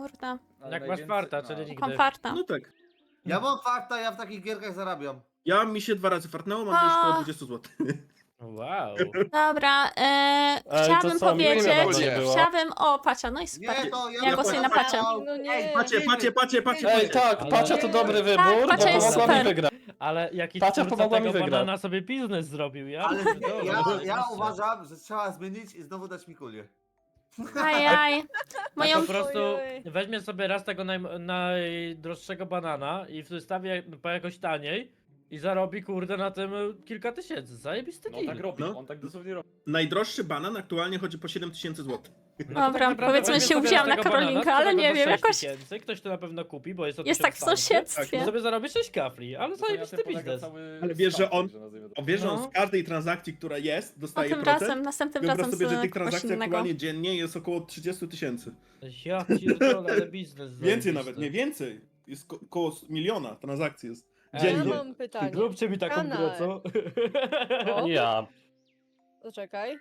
Kurde. Jak masz farta, czyli nigdy. Mam farta. No tak. Ja mam farta, ja w takich gierkach zarabiam. Ja mi się 2 razy fartnęło, mam już około 20 zł. Wow. Dobra, to chciałabym co, nie powiedzieć, wiadomo, nie było. chciałabym... O, Pacia, no i super. Nie, to Ja głosuję na Pacie. No nie. Ej, Pacie. Ej, tak, Ale- Pacia to dobry wybór, bo Pacia jest pomogła mi super. wygrać. Ale jaki Pacia twórca pomogła mi tego wygrać. banana sobie biznes zrobił, ja? Ale pierdolę. ja uważam, że trzeba zmienić i znowu dać Mikulię. Ajaj. Moją... Po prostu Ojej. weźmie sobie raz tego najdroższego banana i wystawi po jakoś taniej i zarobi kurde na tym kilka tysięcy. Zajebisty No deal. tak robi, No. on tak dosłownie robi. Najdroższy banan aktualnie chodzi po 7000 zł. No to Dobra, tak naprawdę powiedzmy, weźmie się sobie uwzięłam tego na Karolinkę, banana, ale sprzeda nie go wiem, za jakoś 6000, ktoś to na pewno kupi, bo jest to jest tak w 1000 tańszy. I sąsiedztwie. sobie zarobi 6 kafli, ale To na zajebisty tym polega biznes. cały Ale wiesz, że on- statek, nazwijmy to. O, wiesz, że on No. z każdej transakcji, która jest, No dostaje tym procent? razem, następnym Wyobraź razem sobie, że tych z kogoś transakcji innego. aktualnie dziennie jest około 30 000. Ja pierdolę, ale biznes Więcej zajebisty. nawet, nie więcej. Jest około 1 miliona transakcji jest. Ej, Ja Dziennie. mam pytanie. Zróbcie mi taką Kanał. grę, co? O. Ja Poczekaj.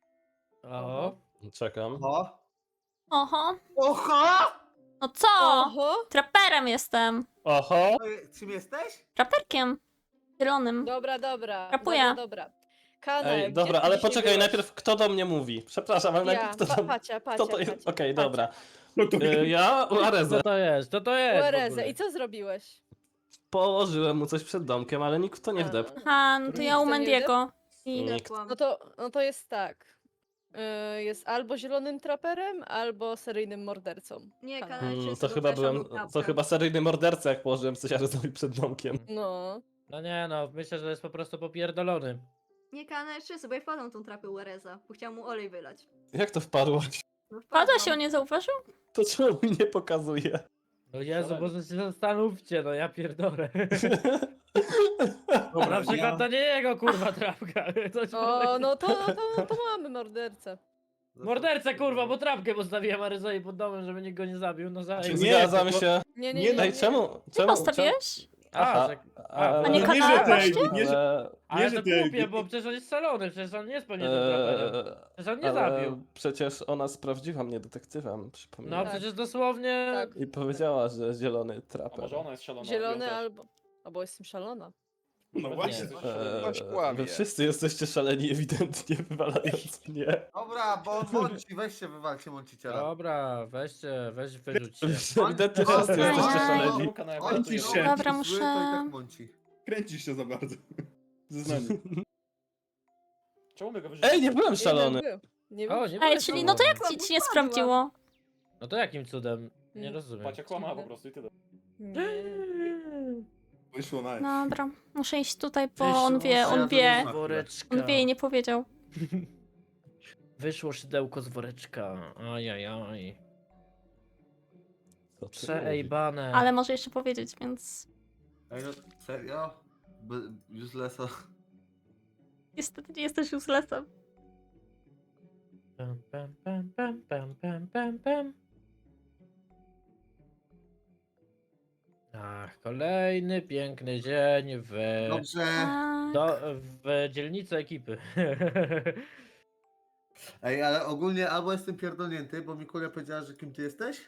O. czekam. Oho. Oho. Oho! No co? Oho. Traperem jestem. Oho! Czym jesteś? Traperkiem. Zielonym. Dobra, dobra. Rapuję. Dobra. Kanał. Ej, dobra, ale poczekaj, najpierw kto do mnie mówi? Przepraszam, ale Ja, najpierw kto do mnie... Pacia. Kto to jest? Okej, Pacia. dobra. No to Ja Co Arezę. to jest? Co to jest? w Uerezę. ogóle? I co zrobiłeś? Położyłem mu coś przed domkiem, ale nikt w to nie wdepł. Aha, no to ja u Nic to nie Mendiego. I... Nikt. No to jest tak. Jest albo zielonym traperem, albo seryjnym mordercą. Nie, Kanał. kanał To chyba byłem... To chyba seryjny morderca, jak położyłem coś Arezowi przed domkiem. No. No nie no, myślę, że jest po prostu popierdolony. Nie, kanał jeszcze sobie ja wpadłam tą trapę Uereza, bo chciałam mu olej wylać. Jak to wpadłaś? No, Pada się, wpadłam. on nie zauważył? To czemu mi nie pokazuje? No Jezu, może się zastanówcie, no ja pierdolę. Dobra, Na przykład to nie jego kurwa trapka. Coś O, no to mamy mordercę. Mordercę kurwa, bo trapkę postawiłem Aryzoi pod domem, żeby nikt go nie zabił, no za... Nie, Zgadzam tylko- się. Nie, Nie, nie, no Ej, czemu? Ty postawiłeś? A, Aha, że... ale- A nie Nie, kanał że tej, właśnie? nie, że... Ale nie, że to ty- głupie, bo przecież on jest szalony, przecież on nie jest pewnie tym traperem. Przecież on nie ale zabił. przecież ona sprawdziła mnie detektywem, No przypominam. Tak. przecież dosłownie... Tak. I powiedziała, że zielony A traper. może ona jest szalona? Zielony ja też. albo... Albo jestem szalona. No właśnie. Wy wszyscy jesteście szaleni ewidentnie, wywalając mnie. Dobra, bo Monci, weź się wywalcie Monciciela. Dobra, weź wyrzućcie. Ewidentnie On- wszyscy jesteście Ajaj. szaleni. Czemu kanał On jakby ci to się. jest? Dobra, zły, muszę- to i tak Monci. Kręcisz się za bardzo. Zeznanie. Czemu my go wyrzucimy? Ej, nie byłem szalony. Nie był. Nie O, był. nie Ej, byłeś czyli szalony. no to jak ci nie sprawdziło? No to jakim cudem? Nie Mm. rozumiem. Pacia kłamała po prostu i tyle. Nie. Wyszło na Dobra, muszę iść tutaj, bo Wyszło on wie, on wie. z woreczka. On wie i nie powiedział. Wyszło szydełko z woreczka. Ajajaj. Co ty mówisz? Przeejbane. Ale może jeszcze powiedzieć, więc... Ej, no serio? Uselessa. Niestety nie jesteś uselessem. Pam, pam, pam, pam, pam, pam, pam, pam. Ach, kolejny piękny dzień w, Dobrze. Tak. w dzielnicy ekipy. Ej, ale ogólnie albo jestem pierdolnięty, bo Mikulia powiedziała, że kim ty jesteś?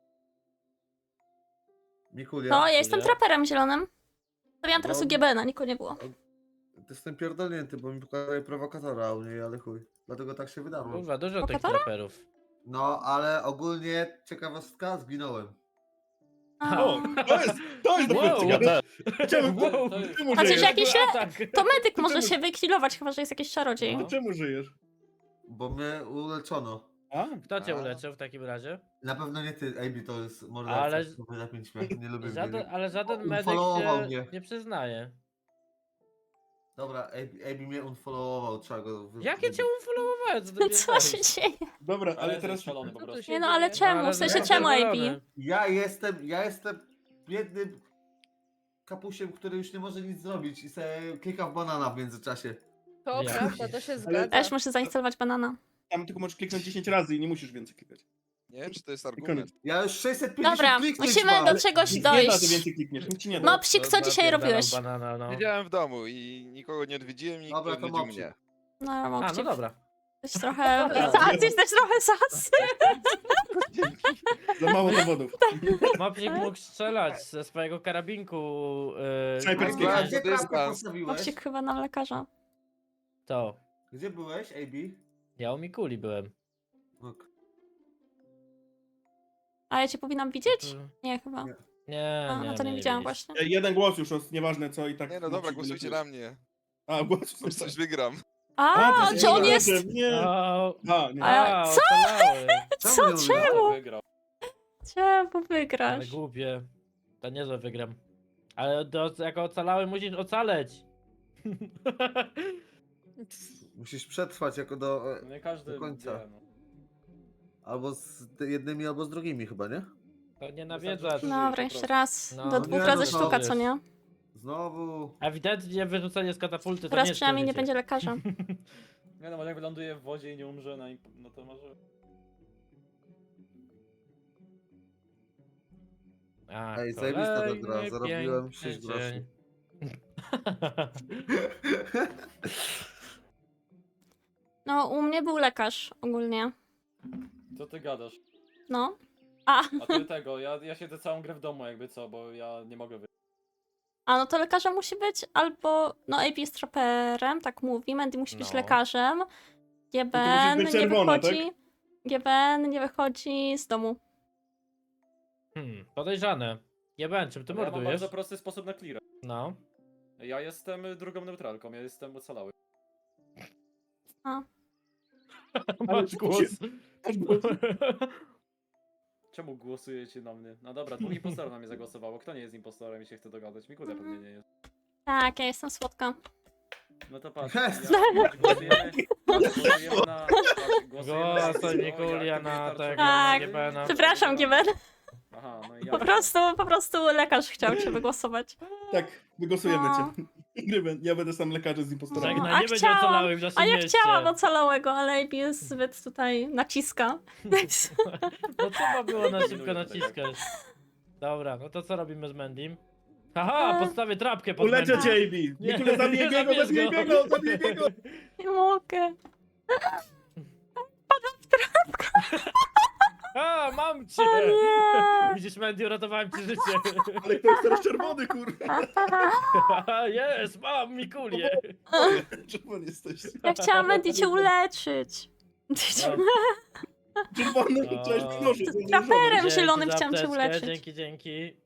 Mikulia. No, ja jestem Nie? traperem zielonym. Stawiałam teraz No. u GB, nikogo nie było. Jestem pierdolnięty, bo mi pokazuje prowokatora u niej, ale chuj. Dlatego tak się wydarło. Kurwa, dużo tych Lokatora? traperów. No, ale ogólnie ciekawostka, zginąłem. A. O, to jest dopiero Wow. ciekawe. Czemu, Wow. czemu Chociaż żyjesz? jakiś le... atak. To medyk może czemu- się wykillować, chyba że jest jakiś czarodziej. No. To czemu żyjesz? Bo mnie uleczono. A? Kto cię A. uleczył w takim razie? Na pewno nie ty, AB to jest morderca. Ale- Ale... Na 5 śmiech, nie lubię Żaden, mnie. ale żaden medyk Unfollowował się mnie. nie przyznaje. Dobra, AB mnie unfollowował, trzeba go Jakie cię unfollowowałem? Co ty No co się pierdolisz? dzieje? Dobra, Ale ale jest teraz... szalony po Co tu prostu. się Nie no, ale dzieje? czemu? Ale W sensie jestem czemu AB? zadowolony. Ja jestem biednym kapusiem, który już nie może nic zrobić i sobie klika w banana w międzyczasie. To Ja. prawda, to się Ale- zgadza. Też muszę zainstalować banana. Tam tylko możesz kliknąć 10 razy i nie musisz więcej klikać. Nie wiem, czy to jest I koniec. argument. Ja już 650 Dobra, kliknięć musimy mam. do czegoś Nic nie da, że dojść. więcej klikniesz, nic ci nie da. Mopsik, co dzisiaj Napierdalam robiłeś? Banana, no. Siedziałem w domu i nikogo nie odwiedziłem, nikt Dobra, nie to odwiedził mopsik. mnie. No, A, no Mopsik. dobra. Jesteś trochę... Jesteś trochę sas. Za mało dowodów. Mopsik mógł strzelać ze swojego karabinku. Snajperskiego. A Gdzie gdzie to jest trapkę nas. postawiłeś? Mopsik chyba na lekarza. To. Gdzie byłeś, AB? Ja u Mikuli byłem. Ok. A ja cię powinnam widzieć? Nie, chyba. Nie. Nie, A, nie, no to nie nie widziałam widzieliście. właśnie. Jeden głos już, nieważne co i tak. Nie no dobra, głosujcie na mnie. A, głos. Bo coś wygram. A, ty czy on jesteś jest... Nie. O, A, nie. A, co? ocalały. Co? nie Czemu? Wygrał. Czemu Ale wygrasz? głupie. To niezłe wygram. Ale jako ocalały musisz ocaleć. Musisz przetrwać jako do... Nie każdy Do końca. wie, no. Albo z jednymi, albo z drugimi chyba, nie? To nie nawiedzasz. Dobra, jeszcze raz. No. Do 2 Nie, razy no, sztuka, wiesz. co nie? Znowu... Ewidentnie wyrzucenie z katapulty to Teraz nie jest przynajmniej nie przeżycie. będzie lekarza. Nie no, może jak wyląduje w wodzie i nie umrze, no to może... A, Ej, zajebista ta kolejny gra, zarobiłem 6 piękny groszy. dzień. No, u mnie był lekarz ogólnie. Co ty gadasz? No. A, A ty tego, ja siedzę całą grę w domu jakby co, bo ja nie mogę wyjść. a no to lekarza musi być albo... No, AP jest traperem, tak mówi. Mandy musi być No. lekarzem. musisz GBN być nie czerwona, wychodzi... GBN nie wychodzi z domu. Podejrzane. Jeben, czym ty Ale ja mam mordujesz? bardzo prosty sposób na clear. No. Ja jestem drugą neutralką, ja jestem ocalały. Masz głos. Czemu głosujecie na mnie? No dobra, dwóch impostorów na mnie zagłosowało. Kto nie jest impostorem i się chce dogadać? Mikulia pewnie nie jest. Tak, ja jestem słodka. No to patrz, Jest. głosujemy na... Głosujemy na... Głosuj Mikulia na tego, Tak. na Gebena. Przepraszam, GBN. Aha, no i ja. Po prostu lekarz chciał cię wygłosować. Tak, wygłosujemy No. cię. Gryben, ja będę sam lekarzem z impostorami. Żegnaj, A nie będzie chciałam- ocalałych w naszym A ja mieście. chciałam ocalałego, ale AB jest zbyt tutaj naciska. No trzeba było na szybko Pilnuję to naciskać. Dobra, no to co robimy z Mendym? Haha, postawię trapkę pod Uleczę Mendim. cię, AB. Nie, Nikule, zabij nie biego, zabierz zabij go. biego, zabij biego. Nie mogę. A, mam cię! O nie! Widzisz, Mendy, uratowałem ci życie. Ale kto jest teraz czerwony, kurwa? Jest, mam Mikulię. Czerwony jesteś. Ja chciałam Mandy cię uleczyć. Czerwony, O. chciałeś mnożyć. Traperem Dzięki zielonym za chciałam cię apteczkę, uleczyć. Dzięki.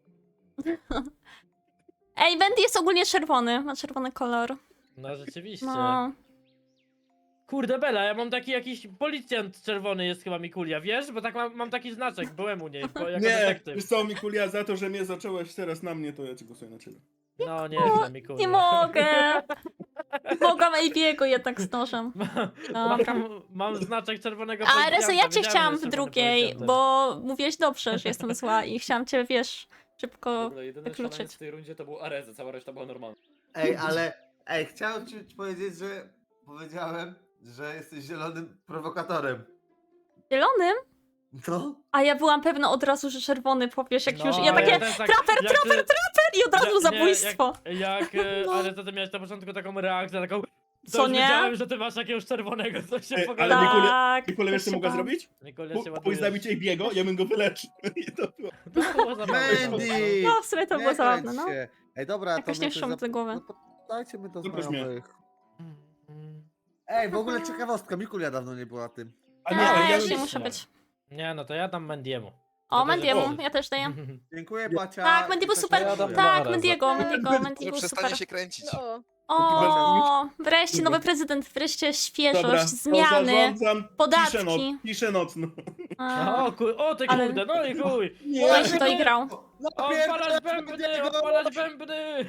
Ej, Mandy jest ogólnie czerwony, ma czerwony kolor. No rzeczywiście. No. Kurde Bela, ja mam taki jakiś policjant czerwony jest chyba Mikulia, wiesz? Bo tak mam taki znaczek, byłem u niej, jako Nie, detektyw. wiesz co, Mikulia, za to, że mnie zacząłeś teraz na mnie, to ja ci głosuję na ciebie. No nie, Mikulia. Nie mogę. Mogłam AB'ego jednak z nożem. Dobra. Mam znaczek czerwonego A policjanta. Rezo, ja cię wiedziałem, chciałam że w jest czerwony drugiej, policjantem. bo mówiłeś dobrze, że jestem zła i chciałam cię, wiesz, W szybko ogóle jedyny wykluczyć. szaleniec w tej rundzie to był Areza, cała reszta była normalna. Ej, ale... Ej, chciałem ci powiedzieć, że... Powiedziałem, że jesteś zielonym prowokatorem. Zielonym? No? A ja byłam pewna od razu, że czerwony powiesz, jak już... I ja ale takie, też tak, traper, jak ty- i od razu nie, zabójstwo. Jak ale to ty miałeś na początku taką reakcję, taką... To Co już nie? wiedziałem, że ty masz jakiegoś czerwonego, co się Ej, w ogóle... ale Mikulia- Tak. Mikulia, wiesz co się mogła bałam. zrobić? Mikulia się Pójdź ładuje. zabić AB'ego, ja bym go wyleczył. I to było. To było zabawne. Mandy! No, w sumie to było Nie zabawne, kręć no. się. Ej, dobra, Jakoś to nie my przyszło mi coś do głowy. No to dajcie mi do Dobra, znajomych. Ej, w ogóle ciekawostka, Mikulia dawno nie była tym. A Nie, nie, ja ja już nie bym- muszę być. Nie, no to ja dam Mendiemu. O, To Mendiemu, będzie- ja też daję. Dziękuję, Bacia. Tak, Mendy był Coś super. tam Ja dam mówię. Tak, Areza. Mendy Że był przestanie super. się kręcić. No. O, wreszcie nowy prezydent, wreszcie świeżość, Dobra, to zmiany, zarządzam podatki. ciszę nocną. A, O ty Ale- kurde, no i chuj! Oj, się doigrał. Odpalać bębny, odpalać bębny!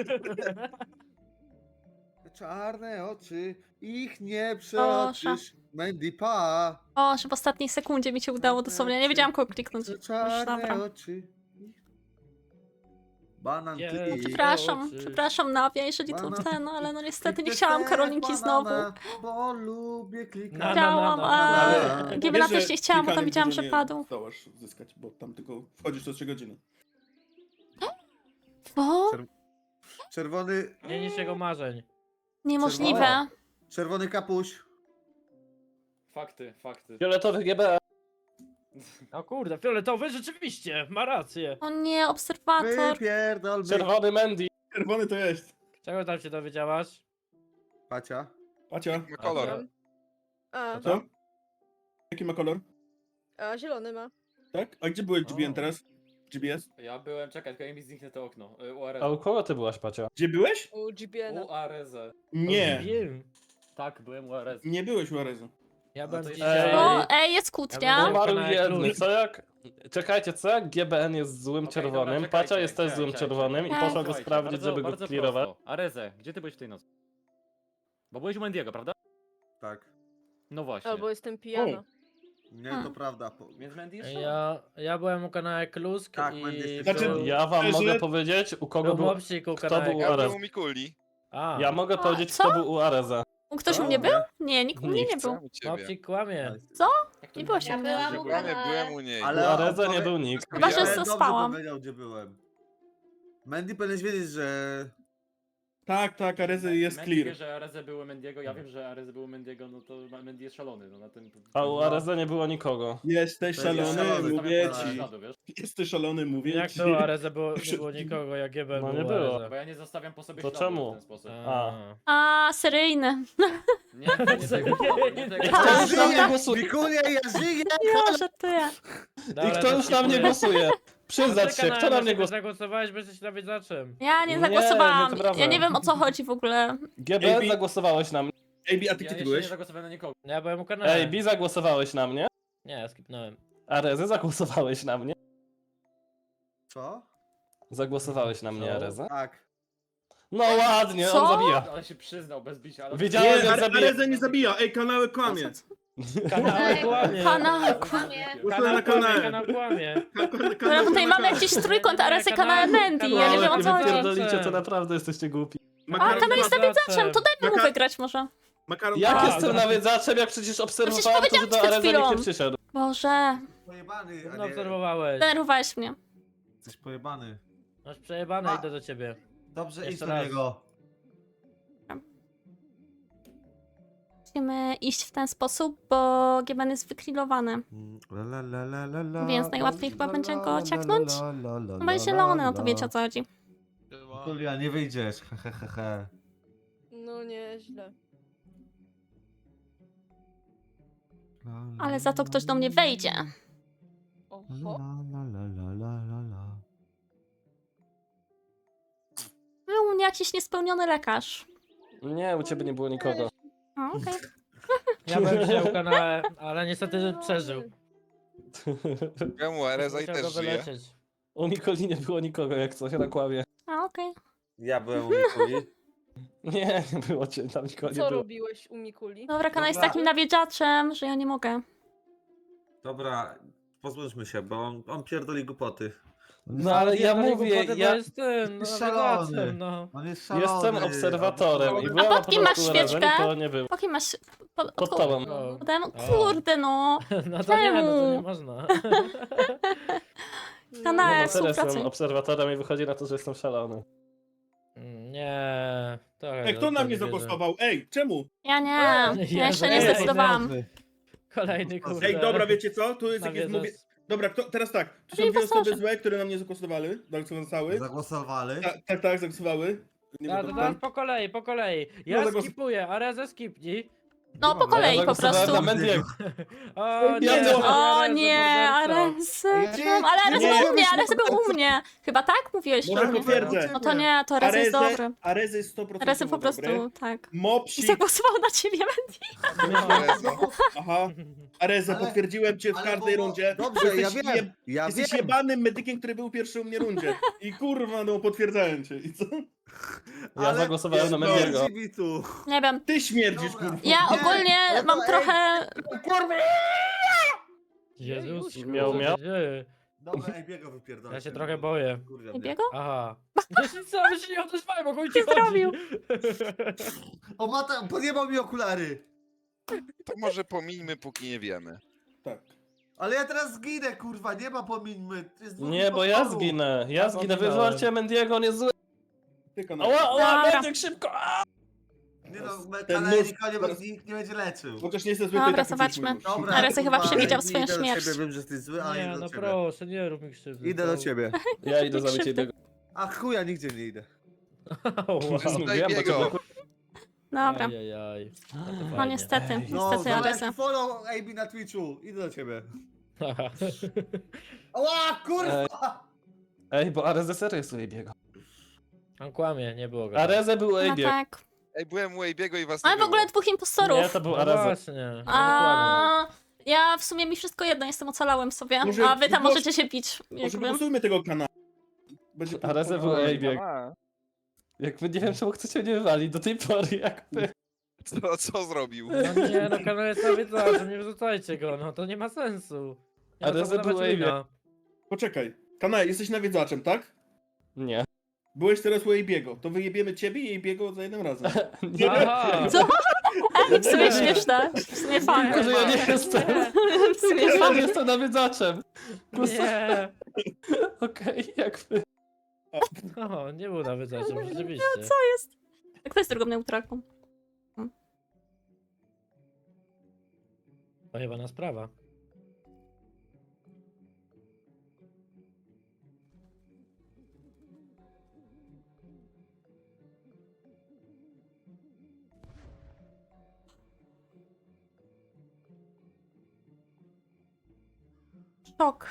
Czarne oczy, ich nie przeoczysz. Mandy pa. O, że w ostatniej sekundzie mi się udało dosłownie. Nie wiedziałam, kogo kliknąć. Czarne dobra. oczy. Banan Nie, ty. Przepraszam, oczy. przepraszam Nawia, jeżeli to Banana. ten, ale no niestety nie Kliknę chciałam te Karolinki znowu. banana, Bo lubię klikać. Na, na, Chciałam, na, a na. Giebela Wiesz, też że nie chciałam, bo tam klikanie widziałam, dużo że nie padł. Zdołasz zyskać, bo tam tylko wchodzisz co 3 godziny. Co? Czerwony, Nie niż jego marzeń. Niemożliwe. czerwony kapuś. Fakty, fakty. Fioletowy GB. O kurde, fioletowy rzeczywiście, ma rację. O nie, obserwator. Wypierdol, Czerwony Mandy. Czerwony to jest. Czego tam się dowiedziałaś? Pacia. Pacia, Ma kolor. A, co? Jaki ma kolor? a zielony ma. Tak? A gdzie byłeś GBN O. teraz? GBS? Ja byłem, czekaj, tylko mi zniknę to okno. URZ. A u kogo ty byłaś, Pacia? Gdzie byłeś? U GBN-a. URZ. Nie, Wiem. Tak, byłem URZ. nie byłeś u Arezu. Ja No byłem to dzisiaj... Ej. O, jest kłótnia. Ja Umarł kanał jedny. Plus. Co jak... Czekajcie, co jak GBN jest złym Okej, czerwonym, dobra, Pacia czekajcie, jest też złym czekajcie. czerwonym i Ej. poszła go Słuchajcie, sprawdzić, bardzo- żeby go bardzo clearować. prosto. Areze, gdzie ty byłeś w tej nocy? Bo byłeś u Mendiego, prawda? Tak. No właśnie. Albo jestem pijana. Nie, Hmm. to prawda. Więc Mendy jest Ja byłem u kanału Klusk Tak, i... będę jeszcze- Znaczy, był- Ja wam Że- mogę powiedzieć, u kogo był był... mopsik u kto kanału był Ja Ares. byłem u Mikuli. A, Ja mogę A, powiedzieć, co? kto był u Areza. Ktoś u mnie był? Nie, nikt u mnie nie był. U ciebie. mopsik kłamie. Nie było się. byłam u Byłem u niej. Ale U Areza opowie- nie był nikt. Chyba, że Ale co dobrze spałam. powiedział, gdzie byłem. Mandy powinieneś wiedzieć, że... Tak, Arezy jest Mendy wie, clear. że Areze był u Mendiego, ja wiem, że Areze był u Mendiego, no to Mendy jest szalony, no na tym... A u Areza nie było nikogo. Jesteś To jest szalony, szalony, mówię stawiam ci. Śladu, wiesz? Jesteś szalony, mówię Jak ci. to Areze nie było nikogo, jak GBN No był nie u było. Areza. Bo ja nie zostawiam po sobie To śladu czemu? w ten sposób. A. A, seryjny. Nie, nie tego, nie tego. Kto A, już na mnie dobra. głosuje? Mikulia, ja żyję! Ja żartuję. I kto już na mnie głosuje? Przyznać się, kto na mnie głosuje? Zagłosowałeś, bo jesteś nawidzaczem. Ja nie Nie, zagłosowałam. nieprawda. Ja nie wiem o co chodzi w ogóle. GB AB. zagłosowałeś na mnie. AB, a ty Ja gdzie ty jeszcze nie byłeś? zagłosowałem na nikogo. Ja byłem u kanału. AB, zagłosowałeś na mnie. Nie, skipnąłem. Arezy, zagłosowałeś na mnie. Co? Zagłosowałeś na mnie, Co? Areza. Tak. No ładnie, Co? on zabija. Ale się przyznał bez bicia, ale... Wiedziałem, Nie, że zabije. Areza nie zabija. Ej, kanały kłamie. Kanał kłamie. Kanał Głosuję na kanale. Kanał kłamie. Dobra, tutaj mamy jakiś trójkąt Aresy, kanał Mandy. Ja nie wiem o co chodzi. Pierdolicie, to naprawdę jesteście głupi. A, kanał jest nawiedzaczem, to dajmy mu wygrać może. Makaron Jak A, jestem dobra. nawiedzaczem, jak przecież obserwowałem to, że powiedziałam do przed Areza nikt nie chwilą. przyszedł. Boże, Pojebany, No a nie... obserwowałeś. denerwowałeś mnie. Jesteś pojebany. Masz przejebane, A. idę do ciebie. Dobrze, idź Jeszcze do raz. niego. Musimy iść w ten sposób, bo GBN jest wykrillowany. Więc najłatwiej chyba będzie go ciaknąć. No będzie zielony, no to wiecie o co chodzi. Mikulia, nie wyjdziesz, he. No nieźle. Ale za to ktoś do mnie wejdzie. Oho. Był u mnie jakiś niespełniony lekarz. Nie, u ciebie nie było nikogo. O, okej. Ja byłem dzisiaj u kanału, ale niestety przeżył. Byłem u Areza i Musiał go też żyje. wylecieć. U Mikoli nie było nikogo, jak coś, na kłamie. A, okej. Ja byłem u Mikuli. Nie, nie było cię, tam nikogo nie Co było. robiłeś u Mikuli? Dobra, kanał jest Dobra. takim nawiedzaczem, że ja nie mogę. Dobra, pozbądźmy się, bo on pierdoli głupoty. No ale ja mówię, To ja jest ten, no, Jest szalony. nawigaczem, no. On jest jestem obserwatorem i byłem A na pod kim masz początku Areza, świeczkę? nikogo nie było. Po kim masz... Pod tobą. O. Pode mną? Kurde no. No to nie, no to nie Czemu? można. Kanał, No bo teraz współpracuj. jestem obserwatorem i wychodzi na to, że jestem szalony. Nie. Trochę Ej, kto na to mnie nie wierzę. zagłosował? Ej, czemu? Ja nie. Ja jeszcze nie Jezu. zdecydowałam. Kolejny kurde. Ej, dobra, wiecie co? Tu jest jakieś... Nawiedzasz. Mówię... Dobra, teraz tak. Tu są Ej, dwie osoby pasażer. złe, które na mnie zagłosowały. Zagłosowały. Zagłosowali. Tak, zagłosowały. Nie A, będę to tam. teraz po kolei. Ja No, skipuję, a Reza skipnij. No po kolei po zagłosowałem prostu. na Mendiego. O nie, Ja to- O Areza, nie, morderca. Ares. Ale Ares Nie, był u nie, mnie, Ares był u mnie. Chyba tak mówiłeś? Może No. potwierdzę. No to nie, to Ares jest dobry. Arezy jest 100% Ares po prostu, dobry. tak. I Mopsik, zagłosował na ciebie, Mandy. Areza. aha. Areza, Ale- potwierdziłem cię w ale każdej bo- rundzie. Dobrze, ja Jesteś wiem. Ja Jesteś wiem. jebanym medykiem, który był pierwszy u mnie rundzie. I kurwa, no potwierdzałem cię. I co? Ja zagłosowałem na no, Mendiego. śmierdzi mi tu. Nie wiem. Ty śmierdzisz, Dobra. kurwa. Ja Nie, ogólnie no to mam ej. trochę... Jezus, Miał, miał. Dobra, ej, biego wypierdolę. Ja się trochę boję. Kurwa, Nie mnie. biego? Aha. Co, wy się nie odezwałem, mogą ci Ty zrobił. O, Mata, podjebał mi okulary. To może pomińmy, póki nie wiemy. Tak. Ale ja teraz zginę, kurwa, nie ma pomińmy. Jest dwóch Nie, bo ja impostorów. zginę. Ja zginę, Ominąłem. wywalcie Mendiego, on jest zły. Tylko na... Ała, ała, Dobra. Mendiek, szybko! A! Nie no, Ten kanał nóż nikogo teraz- nikt nie będzie leczył. Chociaż nie jestem zły, Dobra, to i tak zobaczmy. uciekł mój nóż. Dobra, Areza chyba kurwa, przewidział idę swoją do śmierć. Ciebie. Wiem, że jesteś zły, ale Nie, idę do no ciebie. proszę, nie rób mi krzywdy. Idę do ciebie. Ja idę Nie zabić krzywdy. jednego. A chuja, nigdzie nie idę. Wow. Mówiłem, bo Biego. to Dobra. Ajajaj. No niestety, No, niestety Areza. zobacz, follow AB na Twitchu. Idę do ciebie. Ała, kurwa! Ej, bo Arezę serio jest u Ejbiego. On kłamie, nie było go. Arezę był u No Ejbiego. tak. Ej, byłem u Ejbiego i was nie Ale w ogóle było. dwóch Nie, impostorów. to był No Areza. właśnie. on kłamie. A ja w sumie mi wszystko jedno, jestem ocalałem sobie. Może A wy tam głos- możecie się pić. Może Jakby. wygłosujmy tego kanału. Będzie Areza był u Oj, Ejbiego. Jakby nie wiem, czemu chcecie mnie wywalić do tej pory, jakby. Co zrobił? No nie, no kanał jest nawiedzaczem, nie wyrzucajcie go, no to nie ma sensu. Nie Ale ma co wydawać zabyłem wina. Poczekaj. Kanał, jesteś nawiedzaczem, tak? Nie. Byłeś teraz u Ejbiego. To wyjebiemy ciebie i Ejbiego za jednym razem. Nie. Aha! Co? Ej, w sumie Nie. śmieszne. W sumie fajne. Tylko, że ja nie jestem. W sumie Ja fajne. nie jestem nawiedzaczem. Nie! Okej, jakby. O, nie był nawiedzaczem, rzeczywiście. Co jest? Kto jest drugą neutralką? Pojebana sprawa. Szok.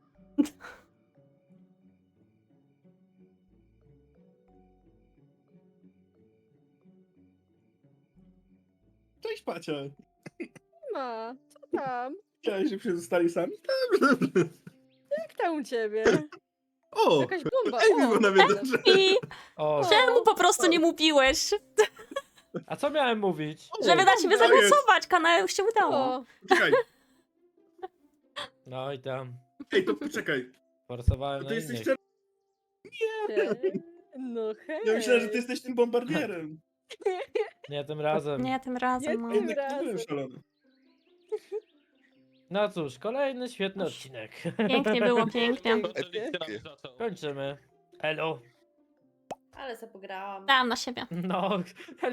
Cześć, Pacia. Ma, co tam? Chciałeś, żebyśmy zostali sami? Jak tam u ciebie? O! Jakaś bomba. Ejbi O, był nawiedzaczem. I O, czemu po prostu nie mówiłeś? a co miałem mówić? Żeby na ciebie to jest. zagłosować, kanał już się udało. o. Czekaj. No i tam. Ej, to poczekaj. Forsowałem To na ty jesteś innych. czerwony. No hej. Ja myślałem, że ty jesteś tym bombardierem. Nie tym razem. Nie, tym razem. No. Nie, A jednak razem. nie byłem szalony. No cóż, kolejny świetny odcinek. Pięknie było, pięknie. Epickie. Kończymy. Elo. Ale se pograłam. Dałam na siebie. No,